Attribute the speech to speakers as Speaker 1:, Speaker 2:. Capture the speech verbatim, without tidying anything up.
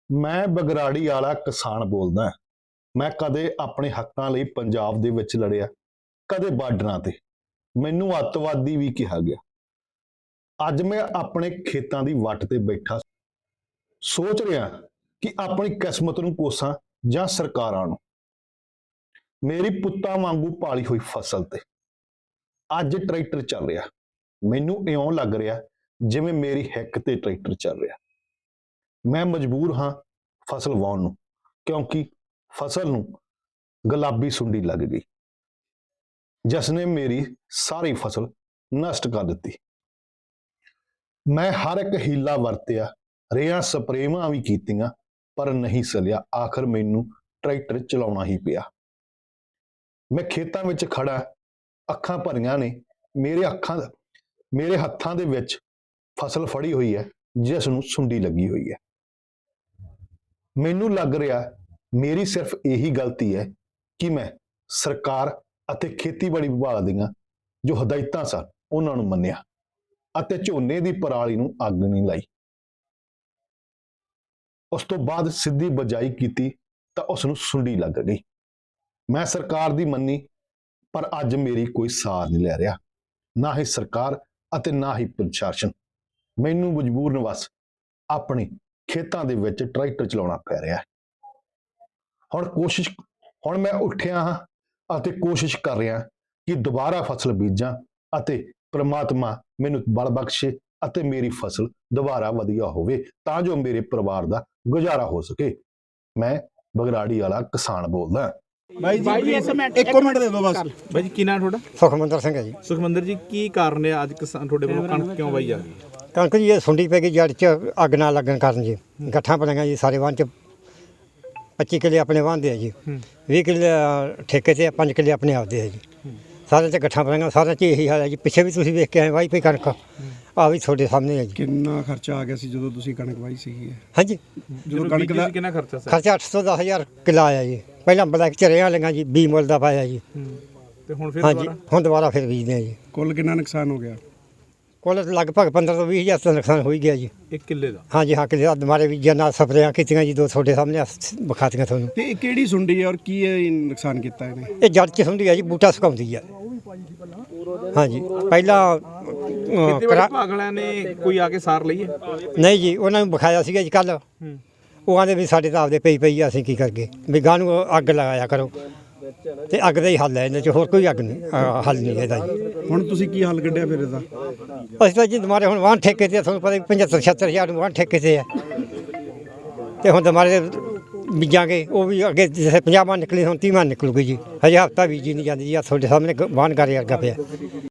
Speaker 1: ਮੈਂ ਬਗਰਾੜੀ ਵਾਲਾ ਕਿਸਾਨ ਬੋਲਦਾ। ਮੈਂ ਕਦੇ ਆਪਣੇ ਹੱਕਾਂ ਲਈ ਪੰਜਾਬ ਦੇ ਵਿੱਚ ਲੜਿਆ, ਕਦੇ ਬਾਰਡਰਾਂ ਤੇ। ਮੈਨੂੰ ਅੱਤਵਾਦੀ ਵੀ ਕਿਹਾ ਗਿਆ। ਅੱਜ ਮੈਂ ਆਪਣੇ ਖੇਤਾਂ ਦੀ ਵੱਟ ਤੇ ਬੈਠਾ ਸੋਚ ਰਿਹਾ ਕਿ ਆਪਣੀ ਕਿਸਮਤ ਨੂੰ ਕੋਸਾਂ ਜਾਂ ਸਰਕਾਰਾਂ ਨੂੰ। ਮੇਰੀ ਪੁੱਤਾਂ ਵਾਂਗੂ ਪਾਲੀ ਹੋਈ ਫਸਲ ਤੇ ਅੱਜ ਟਰੈਕਟਰ ਚੱਲ ਰਿਹਾ। ਮੈਨੂੰ ਇਉਂ ਲੱਗ ਰਿਹਾ ਜਿਵੇਂ ਮੇਰੀ ਹਿੱਕ ਤੇ ਟਰੈਕਟਰ ਚੱਲ ਰਿਹਾ। ਮੈਂ ਮਜਬੂਰ ਹਾਂ ਫਸਲ ਵਾਹੁਣ ਨੂੰ, ਕਿਉਂਕਿ ਫਸਲ ਨੂੰ ਗੁਲਾਬੀ ਸੁੰਡੀ ਲੱਗ ਗਈ, ਜਿਸ ਨੇ ਮੇਰੀ ਸਾਰੀ ਫਸਲ ਨਸ਼ਟ ਕਰ ਦਿੱਤੀ। ਮੈਂ ਹਰ ਇੱਕ ਹੀਲਾ ਵਰਤਿਆ, ਰੇਹਾਂ ਸਪਰੇਵਾਂ ਵੀ ਕੀਤੀਆਂ, ਪਰ ਨਹੀਂ ਸਲਿਆ। ਆਖਰ ਮੈਨੂੰ ਟਰੈਕਟਰ ਚਲਾਉਣਾ ਹੀ ਪਿਆ। ਮੈਂ ਖੇਤਾਂ ਵਿੱਚ ਖੜਾ, ਅੱਖਾਂ ਭਰੀਆਂ ਨੇ। ਮੇਰੇ ਅੱਖਾਂ ਮੇਰੇ ਹੱਥਾਂ ਦੇ ਵਿੱਚ ਫਸਲ ਫੜੀ ਹੋਈ ਹੈ, ਜਿਸ ਨੂੰ ਸੁੰਡੀ ਲੱਗੀ ਹੋਈ ਹੈ। ਮੈਨੂੰ ਲੱਗ ਰਿਹਾ ਮੇਰੀ ਸਿਰਫ ਇਹੀ ਗਲਤੀ ਹੈ ਕਿ ਮੈਂ ਸਰਕਾਰ ਅਤੇ ਖੇਤੀਬਾੜੀ ਵਿਭਾਗ ਦੀਆਂ ਜੋ ਹਦਾਇਤਾਂ ਸਨ ਉਹਨਾਂ ਨੂੰ ਮੰਨਿਆ ਅਤੇ ਝੋਨੇ ਦੀ ਪਰਾਲੀ ਨੂੰ ਅੱਗ ਨਹੀਂ ਲਾਈ। ਉਸ ਤੋਂ ਬਾਅਦ ਸਿੱਧੀ ਬਜਾਈ ਕੀਤੀ ਤਾਂ ਉਸ ਨੂੰ ਸੁੰਡੀ ਲੱਗ ਗਈ। ਮੈਂ ਸਰਕਾਰ ਦੀ ਮੰਨੀ, ਪਰ ਅੱਜ ਮੇਰੀ ਕੋਈ ਸਾਰ ਨਹੀਂ ਲੈ ਰਿਹਾ, ਨਾ ਹੀ ਸਰਕਾਰ ਅਤੇ ਨਾ ਹੀ ਪ੍ਰਸ਼ਾਸਨ। ਮੈਨੂੰ ਮਜਬੂਰਨ ਵਸ ਆਪਣੇ ਖੇਤਾਂ ਦੇ ਵਿੱਚ ਟਰੈਕਟਰ ਚਲਾਉਣਾ ਪੈ ਰਿਹਾ ਹੈ। ਹੁਣ ਕੋਸ਼ਿਸ਼ ਹੁਣ ਮੈਂ ਉੱਠਿਆ ਹਾਂ ਅਤੇ ਕੋਸ਼ਿਸ਼ ਕਰ ਰਿਹਾ ਕਿ ਦੁਬਾਰਾ ਫਸਲ ਬੀਜਾਂ ਅਤੇ ਪ੍ਰਮਾਤਮਾ ਮੈਨੂੰ ਬਲ ਬਖਸ਼ੇ ਅਤੇ ਮੇਰੀ ਫਸਲ ਦੁਬਾਰਾ ਵਧੀਆ ਹੋਵੇ, ਤਾਂ ਜੋ ਮੇਰੇ ਪਰਿਵਾਰ ਦਾ ਗੁਜ਼ਾਰਾ ਹੋ ਸਕੇ। ਮੈਂ ਬਗਰਾੜੀ ਵਾਲਾ ਕਿਸਾਨ ਬੋਲਦਾ।
Speaker 2: ਬਾਈ ਜੀ ਇੱਕ ਮਿੰਟ ਇੱਕ ਮਿੰਟ ਦੇ ਦਿਓ ਬਸ।
Speaker 3: ਬਾਈ ਜੀ ਕੀ ਨਾਮ ਤੁਹਾਡਾ?
Speaker 4: ਸੁਖਮੰਦਰ ਸਿੰਘ ਹੈ ਜੀ।
Speaker 3: ਸੁਖਮੰਦਰ ਜੀ, ਕੀ ਕਾਰਨ ਹੈ ਅੱਜ ਕਿਸਾਨ ਤੁਹਾਡੇ ਵੱਲੋਂ ਕਣਕ ਕਿਉਂ ਵਾਈ ਜਾ ਰਹੀ ਹੈ?
Speaker 4: ਕਣਕ ਜੀ ਇਹ ਸੁੰਡੀ ਪੈ ਗਈ ਜੜ 'ਚ, ਅੱਗ ਨਾ ਲੱਗਣ ਕਾਰਨ ਜੀ। ਗੱਠਾਂ ਪਈਆਂ ਜੀ ਸਾਰੇ ਵਾਹਨ 'ਚ। ਪੱਚੀ ਕਿੱਲੇ ਆਪਣੇ ਵਾਹਦੇ ਆ ਜੀ, ਵੀਹ ਕਿੱਲੇ ਠੇਕੇ ਤੇ, ਪੰਜ ਕਿੱਲੇ ਆਪਣੇ ਆਪਦੇ ਆ ਜੀ। ਸਾਰਿਆਂ 'ਚ ਗੱਠਾਂ ਪਈਆਂ, ਸਾਰਿਆਂ 'ਚ ਇਹੀ ਹਾਲ ਹੈ ਜੀ। ਪਿੱਛੇ ਵੀ ਤੁਸੀਂ ਵੇਖ ਕੇ ਆਏ ਵਾਈ ਪਈ ਕਣਕ, ਆ ਵੀ ਤੁਹਾਡੇ ਸਾਹਮਣੇ ਹੈ ਜੀ।
Speaker 2: ਕਿੰਨਾ ਖਰਚਾ ਆ ਗਿਆ ਸੀ ਜਦੋਂ ਤੁਸੀਂ ਕਣਕ ਵਾਈ ਸੀਗੀ?
Speaker 4: ਹਾਂਜੀ,
Speaker 2: ਜਦੋਂ ਕਣਕ ਦਾ
Speaker 3: ਕਿੰਨਾ ਖਰਚਾ ਸੀ?
Speaker 4: ਖਰਚਾ ਅੱਠ ਸੌ ਦਸ ਹਜ਼ਾਰ ਕਿੱਲਾ ਆਇਆ ਜੀ। ਪਹਿਲਾਂ ਬਲੈਕ ਚ ਰੇਹਾਂ ਲਈਆਂ ਜੀ, ਵੀਹ ਮੁੱਲ ਦਾ ਪਾਇਆ ਜੀ।
Speaker 3: ਤੇ ਹੁਣ ਫਿਰ
Speaker 4: ਹਾਂਜੀ,
Speaker 3: ਦੁਬਾਰਾ
Speaker 4: ਹੁਣ ਦੁਬਾਰਾ ਫਿਰ ਬੀਜਦੇ ਆ ਜੀ।
Speaker 2: ਕੁੱਲ ਕਿੰਨਾ ਨੁਕਸਾਨ ਹੋ ਗਿਆ?
Speaker 4: ਕੁੱਲ ਲਗਭਗ ਪੰਦਰਾਂ ਤੋਂ ਵੀਹ ਹਜ਼ਾਰ ਦਾ ਨੁਕਸਾਨ ਹੋ ਹੀ ਗਿਆ ਜੀ।
Speaker 3: ਇੱਕ ਕਿੱਲੇ ਦਾ?
Speaker 4: ਹਾਂਜੀ ਹਾਂ, ਕਿੱਲੇ ਦੁਬਾਰੇ ਬੀਜਿਆ, ਨਾਲ ਸਪਰੇਆਂ ਕੀਤੀਆਂ ਜੀ, ਦੋ ਤੁਹਾਡੇ ਸਾਹਮਣੇ ਵਿਖਾਤੀਆਂ ਤੁਹਾਨੂੰ।
Speaker 2: ਤੇ ਇਹ ਕਿਹੜੀ ਸੁੰਡੀ ਹੈ ਔਰ ਕੀ ਇਹ ਨੁਕਸਾਨ ਕੀਤਾ ਇਹਨੇ?
Speaker 4: ਇਹ ਜੜ 'ਚ ਹੁੰਦੀ ਹੈ ਜੀ, ਬੂਟਾ ਸੁਕਾਉਂਦੀ ਆ। ਹਾਂਜੀ, ਪਹਿਲਾਂ
Speaker 3: ਖੇਤੀਬਾੜੀ
Speaker 4: ਕਰਾ
Speaker 3: ਵਿਭਾਗ ਵਾਲਿਆਂ ਨੇ ਕੋਈ ਆ ਕੇ ਸਾਰ ਲਈ ਹੈ?
Speaker 4: ਨਹੀਂ ਜੀ, ਉਹਨਾਂ ਨੂੰ ਵਿਖਾਇਆ ਸੀਗਾ ਜੀ ਕੱਲ੍ਹ। ਉਹ ਆਂਦੇ ਵੀ ਸਾਡੇ ਤਾਂ ਆਪਦੇ ਪਈ ਪਈ ਆ, ਅਸੀਂ ਕੀ ਕਰਗੇ, ਵੀ ਗਾਂ ਨੂੰ ਅੱਗ ਲਗਾਇਆ ਕਰੋ। ਤੇ ਅੱਗ ਦਾ ਹੀ ਹੱਲ ਹੈ ਇਹਦੇ 'ਚ, ਹੋਰ ਕੋਈ ਅੱਗ ਨਹੀਂ, ਅ, ਹੱਲ ਨਹੀਂ ਇਹਦਾ ਜੀ।
Speaker 2: ਹੁਣ ਤੁਸੀਂ ਕੀ ਹੱਲ ਕੱਢਿਆ ਫਿਰ ਇਹਦਾ?
Speaker 4: ਅਸੀਂ ਤਾਂ ਜੀ ਦੁਬਾਰੇ ਹੁਣ ਵਾਹਨ ਠੇਕੇ ਤੇ ਆ, ਤੁਹਾਨੂੰ ਪਤਾ ਪਝੱਤਰ ਛਿਹੱਤਰ ਹਜ਼ਾਰ ਨੂੰ ਵਾਹਨ ਠੇਕੇ ਤੇ ਆ। ਤੇ ਹੁਣ ਦੁਬਾਰੇ ਬੀਜਾਂਗੇ, ਉਹ ਵੀ ਅੱਗੇ ਜਿਵੇਂ ਪੰਜਾਹ ਮਣ ਨਿਕਲੀ, ਹੁਣ ਤੀਹ ਮਣ ਨਿਕਲੂਗੀ ਜੀ। ਹਜੇ ਹਫ਼ਤਾ ਬੀਜੀ ਨਹੀਂ ਜਾਂਦੀ ਜੀ। ਆ ਤੁਹਾਡੇ ਸਾਹਮਣੇ ਵਾਹਨ ਗਾਰੇ ਵਰਗਾ ਪਿਆ।